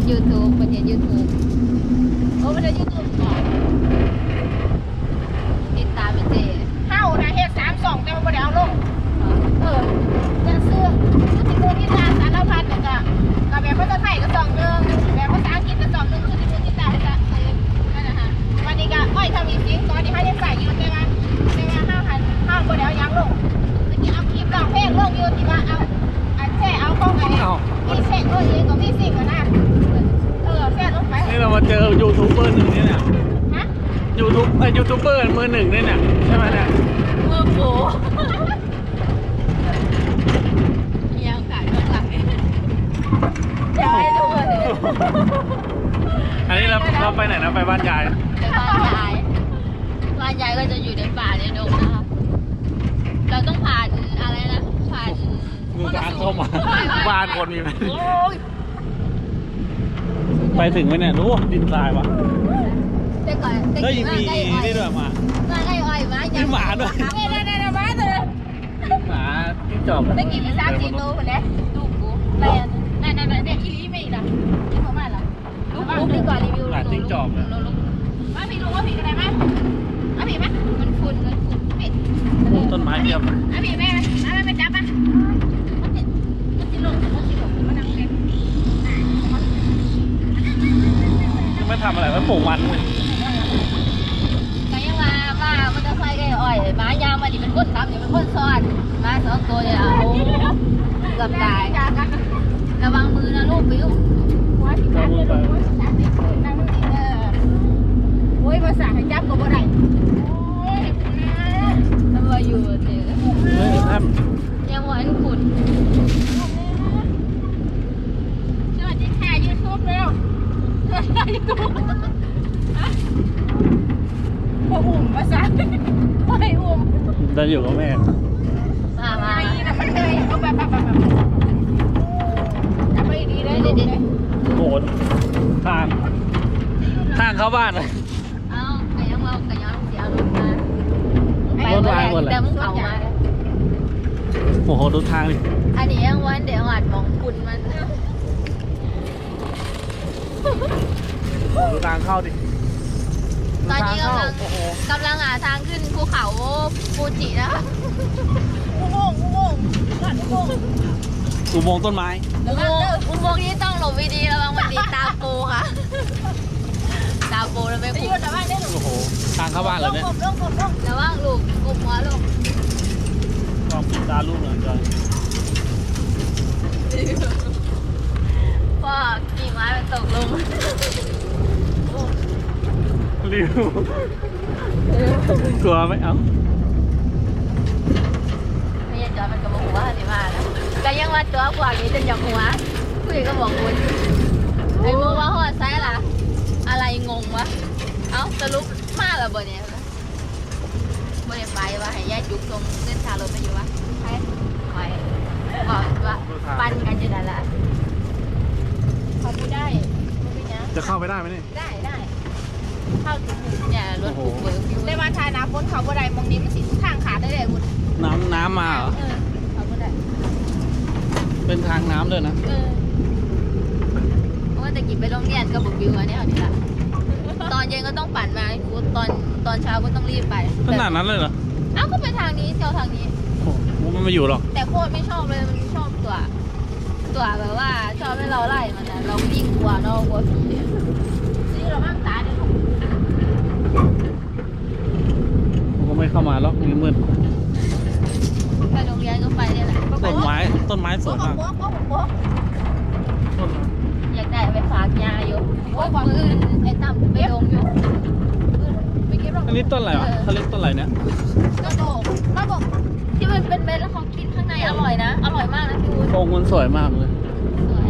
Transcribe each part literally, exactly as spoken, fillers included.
ยูทูบประเทศยูทูบโอ้ประเทศยูทูบก่อนติดตามเป็นเจเฮ้านะเฮ็ดสามสองแต่ว่าไม่ได้เอาลงเออจะซื้อผู้ติดตัวที่ตามสารพัดเนี่ยก็กับแบบภาษาไทยก็สองหนึ่งแบบภาษาอังกฤษก็สองหนึ่งคือที่ผู้ติดตามจะเออนั่นนะฮะวันนี้ก็อ้อยทำอีกจริงตอนนี้เขายังใส่อยู่ใช่ไหมใช่ไหมห้าพันห้าคนเดียวยังลงเมื่อกี้เอาคลิปลองเพลงลงอยู่ที่ว่าเอาอันแช่เอาข้องอะไรมีเช็คตัวเองก็มีสิ่งกันนะเออแช่ลงไปนี่เรามาเจอยูทูบเบอร์หนึ่งนี่เนี่ยฮะยูทูบไอยูทูบเบอร์มือหนึ่งนี่เนี่ยใช่ไหมเนี่ยมือโผยังขายเบื้องหลังยายทุกคนเลยอันนี้เราเราไปไหนนะไปบ้านยายไปบ้านยายบ้านยายก็จะอยู่ในป่าในดงนะคะเราต้องผ่านอะไรนะผ่านงูจานเข้ามาบ้านคนมีไหมไปถึงไหมเนี่ยรู้ดินทรายวะแต่ก่อนเฮ้ยมีนี่ด้วยมามาไอ้อ้อยมามีหมาด้วยเนี่ยเนี่ยเนี่ยหมาตัวนึงหมาที่จอบได้กี่พิซซ่าจีโน่คนนี้ลูกกูแต่นั่นนั่นนั่นเด็กอีลีไม่อีกนะที่เขามาแล้วลูกลูกดีกว่ารีวิวหมาจิ้งจอกเลยว่าพี่รู้ว่าพี่อะไรไหมว่าพี่ไหมมันฝุ่นมันฝุ่นพี่ต้นไม้เยอะอ่ะพี่แม่แม่ไม่จับอ่ะมันจะมันจะลงมันจะลงมันนั่งเล่นไม่ทำอะไรไม่ปลูกมันเลยก็ยังมาว่ามันจะใส่ไอ้อ้อยหมายาวมาดิเป็นคนทำอยู่เป็นคนซ้อนมาสองตัวเนี่ยเอาเกือบตายระวังมือนะลูกปิ้วว่าที่นั่งเลยลูกนั่งนี่นั่งนี่เออโอ้ยภาษาให้จับก็บ่ได้โอ้ยทำไมอยู่เจ๊เฮ้ยท่านยังหวานขุ่นสวัสดีค่ะยูทูบเร็วสวัสดียูทูบพออุ่มภาษาพอให้อุ่มจะอยู่กับแม่มามาแล้วมันเคยเอาแบบแบบแบบจะไปดีได้ดีได้โหดทางทางเข้าบ้านเลยเอาไก่ยังเอาไก่ยังเสียลงมาไปหมดเลยแต่มึงเขามาโอ้โหดูทางดิอันนี้ยังวันเดี๋ยวหวานมองคุณมันดูทางเข้าดิตอนนี้กำลังกำลังหาทางขึ้นภูเขาฟูจินะคะอุโมงค์อุโมงค์อุโมงค์อุโมงค์ต้นไม้อุโมงค์อุโมงค์นี้ต้องหลบดีๆระวังมันดีตาโปค่ะตาโปแล้วไม่คุ้มโอ้โหทางเข้าบ้านเลยเนี่ยระวังลูกกุมหัวลูกลองปิดตาลูกหน่อยจอยพ่อขี่ม้าไปตกลงริวกลัวไหมเอ้าไม่ยังจอยมันก็บอกว่าสิมาแล้วก็ยังว่าตัวกว่านี้จะยังหัวคุยก็บอกคุณไอ้มึงว่าหัวไซส์ล่ะอะไรงงวะเอ้าสรุปมาแล้วบ่เนี่ยบ่ได้ไปว่าให้ยายจุกตรงเส้นทางรถไปอยู่วะไปไปบอกว่าปั่นกันอยู่นั่นแหละเขาไม่ได้จะเข้าไปได้ไหมนี่ได้ได้เข้าถึงเนี่ยรถถูกเบิกได้มาทายน้ำพ้นเขาบ่ได้มองนี้มันสิทางขาดได้เลยคุณน้ำน้ำมาเหรอเออเขาบ่ได้เป็นทางน้ำเลยนะเออเพราะว่าจะกินไปโรงเรียนก็บุกบิวอันนี้เอานี่ละตอนเย็นก็ต้องปั่นมาตอนตอนเช้าก็ต้องรีบไปขนาดนั้นเลยเหรออ้าวก็ไปทางนี้เที่ยวทางนี้โอ้มันไม่อยู่หรอกแต่โคตรไม่ชอบเลยมันชอบตัวตัวแบบว่าชอบให้เราไล่มันนะเรายิ่งกลัวเรากลัวผีนี่เราบ้างตาดิก็ไม่เข้ามาแล้วนี่มืดไปโรงเรียนก็ไปเนี่ยแหละต้นไม้ต้นไม้สวยมากอยากได้ไปฝากยาอยู่โอ้ยมือไอ้ตั้มไปลงอยู่อันนี้ต้นอะไรวะเขาเรียกต้นอะไรเนี่ยต้นโบกต้นโบกที่มันเป็นเม็ดแล้วเขากินข้างในอร่อยนะอร่อยมากนะพี่วุ้นโป่งมันสวยมากเลยสวย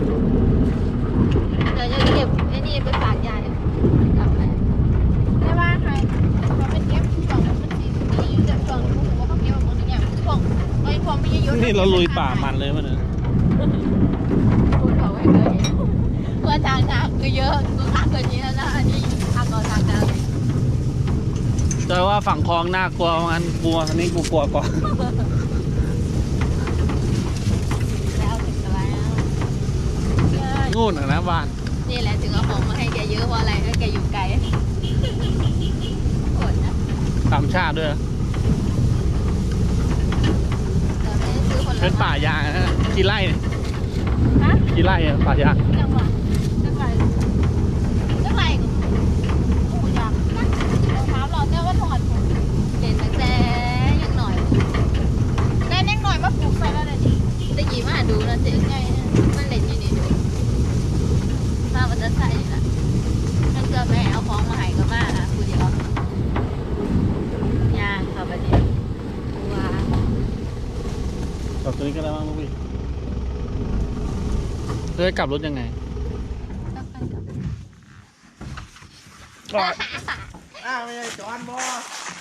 เดี๋ยวจะเก็บไอ้นี่ไปฝากยาเนี่ยกลับไปได้ว่าใครเขาเป็นเก็บช่วงมันสีมีอยู่แต่ช่วงพวกเขาเก็บแบบนี้เนี่ยช่วงไอ้ช่วงไม่เยอะนี่เราลุยป่ามันเลยมั้ยเนี่ยพูดเขาไว้เลยเพื่อทางน้ำคือเยอะกูทางเกินนี้แล้วนะอันนี้ทางก่อนทางน้ำแต่ว่าฝั่งคลองน่ากลัวงั้นกลัวอันนี้กูกลัวกว่าแล้วถึงอะไรแล้วงูนนะบ้านนี่แหละถึงเอาของมาให้แกเยอะเพราะอะไรก็แกอยู่ไกลกดนะตามชาติด้วยเราไม่ได้ซื้อคนละเป็นป่ายางนะกี่ไร่เนี่ยฮะกี่ไร่อะป่ายางจังหวัดจังหวัดจังหวัดโอ้ยากนะรองเท้าเราแต่ว่าถอดผมเล่นตั้งแต่ยังหน่อยแน่นหน่อยมาปลูกใส่แล้วเลยดิตะกี้มาดูนะเจ๊ไงมันเล่นอยู่นี่มามันจะใส่ละนั่นคือแม่เอาของมาให้ก็มาอ่ะคุณเดียวยางค่ะบัดนี้ว้ากับตัวนี้ก็ได้บ้างลูกพี่เพื่อกลับรถยังไงอ้าวไม่ใช่จอนบอ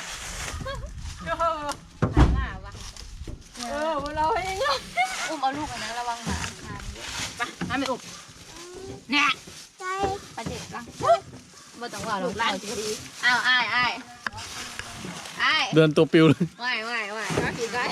เออเราเองอุ้มเอาลูกอันนั้นระวังหมาหมาเยอะไปน้ำไม่อุบเนี่ยประเด็นบ้างบ่ต้องว่าลูกหลานจะดีอ้าวอ้ายอ้ายอ้ายเดินตัวปิวเลยไหวไหวไหวก็คือได้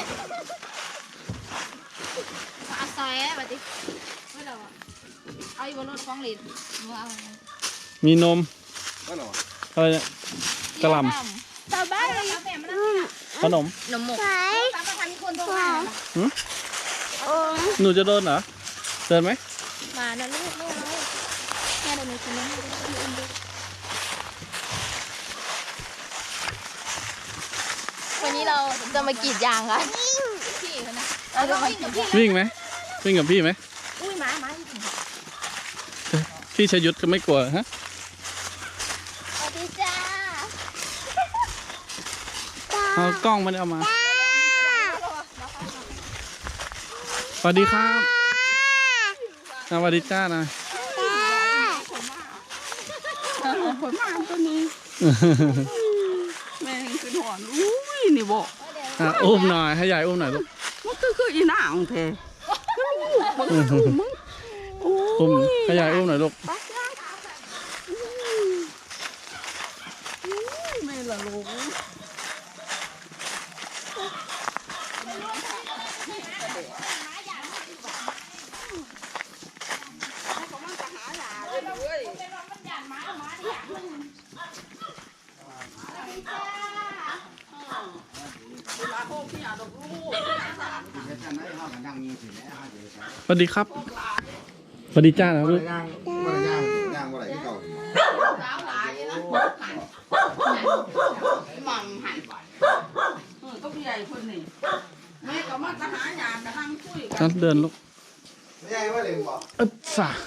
เอาซอยบัดนี้ไม่หรอเอาอยู่บนรถฟ้องลินว่าเอามีนมก็หนออะไรเนี่ยกระหลสบายเลยแม่มันนั่งำขนมนมหมกตามประธานมีคนโทรมาหนูจะโดนเหรอเดินไหมมานะลูกแม่เอาแม่เดี๋ยวหนูกินน้ำให้ดูอุ้มดูวันนี้เราจะมากรีดยางกันพี่เขานะเราจะมากรีดยางวิ่งไหมวิ่งกับพี่ไหมอุ้ยหมาหมาพี่ชยุทธก็ไม่กลัวฮะสวัสดีจ้าเอากล้องมาเอามาสวัสดีครับสวัสดีจ้านะคนมาตัวนี้แม่งคือหอนอุ้ยนี่บอกอ่ะอุ้มหน่อยให้ยายอุ้มหน่อยลูกมันคือคืออีนางแท้มึงมึงโอ้อุ้มยให้ยายอุ้มหน่อยลูกแม่ละลูกสวัสดีครับสวัสดีจ้านะลูกย่างบ่ได้ย่างย่างบ่ได้ที่เก่ามังหันเออก็พี่ใหญ่คนนี้แม่ก็มาจะหาหยาดกระทั่งคุยกัท่าน นเดินลูกไม่ใช่ว่าเลยบอกเอ๊บสาน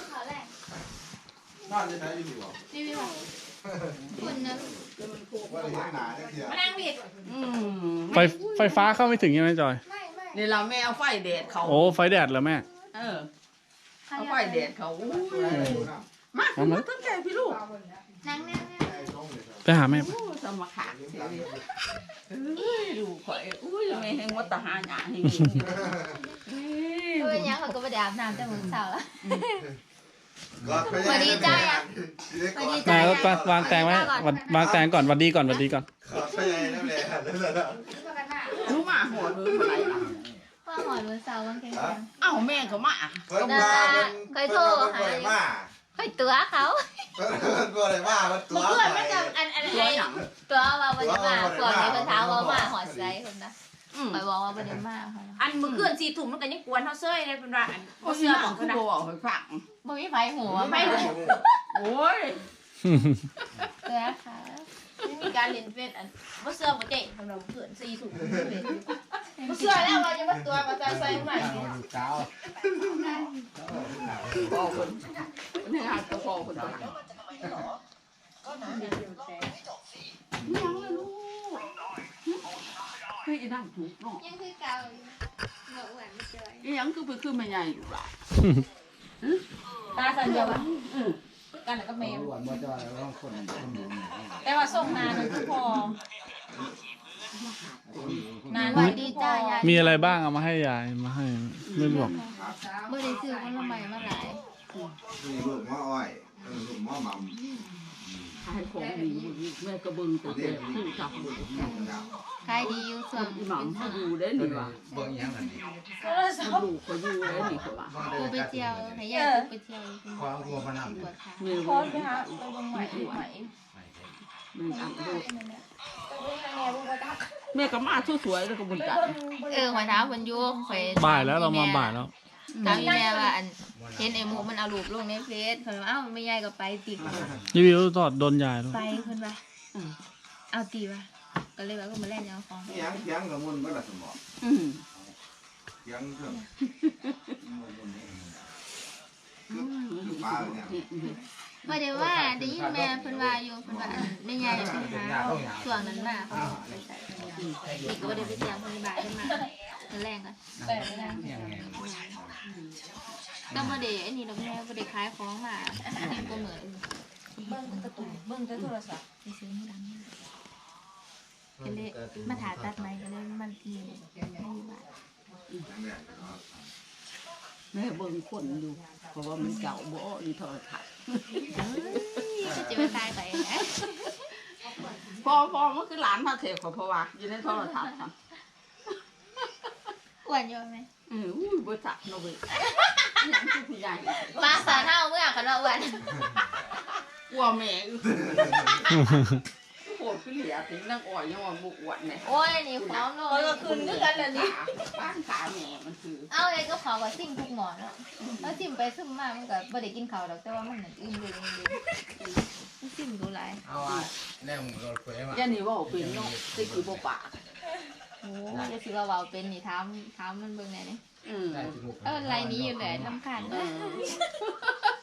อนจะไหนอยู่บอกนี่พี่บอกคุณนะว่าเลยหนาจะเทียมานั่งผิดอืมไฟไฟฟ้าเข้าไม่ถึงใช่ไหมจอยนี่เราแม่เอาไฟแดดเขาโอ้ไฟแดดเหรอแม่เออเอาไฟแดดเขาอู้มาเอามาตั้งใจพี่ลูกนั่งนั่งนั่งไปหาแม่โอ้สมขาเสียดิเอ้ยดูข่อยอุ้ยแม่ให้วัดตาหาหยาให้ดีเอ้ยเออยังเขาก็ไปอาบน้ำแต่มื้อเช้าแล้วสวัสดีจ้าสวัสดีมาแล้ววางแตงไว้วางวางแตงก่อนหวัดดีก่อนหวัดดีก่อนขอไปยังน้ำแรงนั่นแหละรู้มาหัวเรืออะไรอ่ะว่าหอยมื้อเช้าวันแข็งเอ้าแม่ก็มาเพิ่นมาเพิ่นเพิ่นเพิ่นมาๆค่อยตัวเขาเพิ่นเพิ่นบ่ได้มามันตัวเพื่อนมันจะอันอันตัวไอ้หยังตัวว่าบ่ได้มาพวกนี้เพิ่นถามว่ามาหอดไสคนนะอืมข่อยบอกว่าบ่ได้มาเขาอันมือเกือนสี่ถุงมันก็ยังกวนเท่าเซ้ยเลยเป็นว่าอันโอ้ยเสื้อหขนัอง งคืเขาอนะบอกให้ฟังบ่มีไฟหัวไม่รู้โอ้ยตัวค่ะไม่มีการเล่นเฟซอันว่าเสื้อบ่เจ๊สำหรับเกือนสี่ถุงว่าเสื้อแล้วเราจะมาตัวมาใส่ใส่ใหม่พ่อคนนี่ฮะตัวพ่อคนตัวยังเลยลูกเฮ้ยอีนั่งถูกเนาะยังคือเก่าบ่อ้วนไม่เจออียังคือไปคือไม่ใหญ่อยู่ละตาสันเดียวกันกันแล้วก็แมวแต่ว่าส่งนานมันก็พอนานสวัสดีจ้ายายมีอะไรบ้างเอามาให้ยายมาให้ไม่บอกบ่ได้ซื้อผลไม้มาหลายนี่ลูกมะอ้อยลูกมะหม่ำให้ของดีแม่กระเบิงตัวเด็กที่จับขายดีอยู่ส่วนอีหมังเขาอยู่ได้หนิวะเบิ่งยังนั่นนี่โทรศัพท์ดูเขาอยู่ได้หนิเขาว่าบ่ได้กูไปเที่ยวให้ยายกูไปเที่ยวควางตัวพนันปวดขามีพบ่อนไปหาไปเบิ่งใหม่ใหม่มีอันดูไปเบิ่งแม่บุ้งกระตักแม่ก็มาสวยๆแล้วก็บุญจันทร์เออหัวเท้าคนยุ่งข่อยบ่ายแล้วเรามาบ่ายแล้วถามแม่ว่าอันเห็นไอ้หมูมันเอารูปลงในเฟซเพิ่นว่าเอ้าไม่ยายก็ไปติรีวิวตอดโดนยายด้วยไปเพิ่นว่าเอาตีว่ะก็เลยว่าก็มาแล่นเอาของเสียงเสียงกับมุนก็ละสมองอืมเสียงเครื่องคือปลาเนี่ยว่าเดี๋ยวว่าได้ยินแม่เพิ่นว่าอยู่เพิ่นว่าอันแม่ยายไปหาช่วงนั้นมาเขาไปใส่นี่ก็บ่ได้ไปเที่ยวเพิ่นบ่ายเพิ่นมาเพิ่นแรงกันแต่นะก็บ่ได้อันนี้ดอกแม่บ่ได้ขายของมานี่ก็เหมือนเบิ่งกระตุ้นเบิ่งแต่โทรศัพท์ไปซื้อมือดังก็เลยมาถ่ายตัดไม้ก็เลยมันทีให้อยู่บ้านแม่เบิ่งคนอยู่เพราะว่ามันเก่าบ่อีโทรทัศน์ก็จะไปตายไปนะพอพอมันคือหลานมาเถอะเขาเพราะว่าอยู่ในโทรทัศน์ค่ะอ้วนอยู่ไหมเอออุ้ยบ่จักเนาะเว้ยยังคือผู้ใหญ่มาสาเท่าเมื่อกันว่าอ้วนกลัวแม่อยู่โหดคือเหลียถึงนางอ้อยยังว่าบ่อ้วนแม่โอ้ยนี่พร้อมเลเออก็ยคืนคือกันแหละนี่บ้านขาแม่มันคือเอาไอ้ก็ขอกับซิ่งทุกหมอนแล้วแล้วซิ่งไปซึมมามันก็บ่ได้กินข้าวดอกแต่ว่ามันนั่นอิ่มเลยเลยมันซิ่งดูหลายเอาอ่ะแน่มึงรถเฟ้มายันนี่ว่าเป็นเนาะสิคือบ่ปากโอ้ยจะสิว่าเว้าเป็นนี่ถามถามมันเบิ่งแหน่นี่อืมเออไรนี้อยู่แหละลำคาญเอเด้ออ